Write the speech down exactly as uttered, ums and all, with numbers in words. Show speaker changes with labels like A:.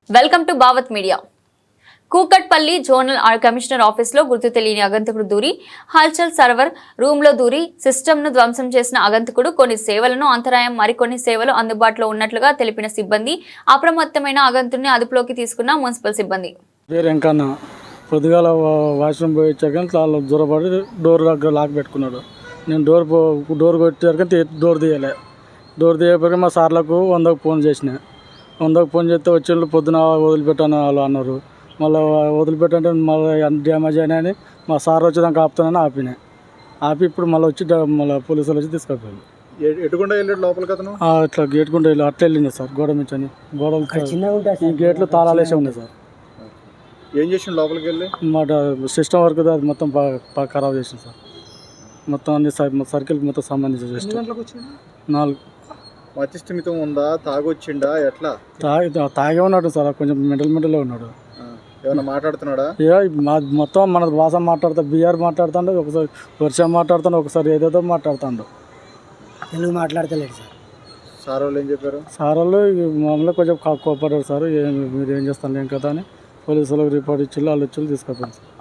A: Welcome to Bhavat media. Kukatpally zonal commissioner office లో గుర్తు తెలియని అగంతకుడు దూరి హల్చల్ సర్వర్ రూమ్ లో దూరి సిస్టమ్ ను ధ్వంసం చేసిన అగంతకుడు కొన్ని సేవలను అంతరాయం మరికొన్ని సేవలు అందుబాటులో ఉన్నట్లుగా తెలిపిన సిబ్బంది అప్రమత్తమైన అగంతుడిని అదుపులోకి తీసుకున్న మున్సిపల్ సిబ్బంది.
B: పొద్దుగాల వాష్రూమ్ పోయి వచ్చాక చాలా దూరపడి డోర్ దగ్గర లాక్ పెట్టుకున్నాడు. నేను డోర్ డోర్ కొట్టాక డోర్ తీయలే. డోర్ తీయకపోతే మా సార్లకు వందకు ఫోన్ చేసిన. వందకు ఫోన్ చేస్తే వచ్చి పొద్దున వదిలిపెట్టాను వాళ్ళు అన్నారు. మళ్ళీ వదిలిపెట్టంటే మళ్ళీ ఎంత డ్యామేజ్ అయినాయని మా సార్ వచ్చేదాకా ఆపుతానని ఆపినాయి. ఆపి ఇప్పుడు మళ్ళీ వచ్చి మళ్ళీ పోలీసులు వచ్చి తీసుకెళ్ళిపోయారు.
C: ఎటుకుండా వెళ్ళాడు లోపలికి అతను?
B: ఇట్లా గేట్ కుండా వెళ్ళి అట్లా వెళ్ళింది సార్. గోడ మించని గోడలు గేట్లు తాళాలు వేసే ఉన్నాయి సార్.
C: ఏం చేసిండు లోపలికి వెళ్ళి?
B: మాట సిస్టమ్ వర్క్ అది మొత్తం బాగా ఖరాబ్ చేసింది సార్. మొత్తం అన్ని సర్కిల్ మొత్తం సంబంధించి సిస్టమ్. నాలుగు
C: మతిస్థిమితం ఉందా? తాగొచ్చిండా? ఎట్లా?
B: తాగి తాగే ఉన్నాడు సార్. కొంచెం మెంటల్ మెంటలే ఉన్నాడు.
C: ఏమన్నా మాట్లాడుతున్నాడా?
B: ఏ మొత్తం మన భాష మాట్లాడుతా, బీఆర్ మాట్లాడుతాడు, ఒకసారి వర్షం మాట్లాడుతాడు, ఒకసారి ఏదేదో మాట్లాడుతాడు.
D: తెలుగు మాట్లాడతలేడు సార్.
C: సార్ వాళ్ళు ఏం చెప్పారు?
B: సార్ వాళ్ళు మామూలుగా కొంచెం కోపడ్డారు సార్. మీరు ఏం చేస్తాను ఏం కదా అని పోలీసులకు రిపోర్ట్ ఇచ్చి వాళ్ళు వచ్చి తీసుకెళ్ళారు సార్.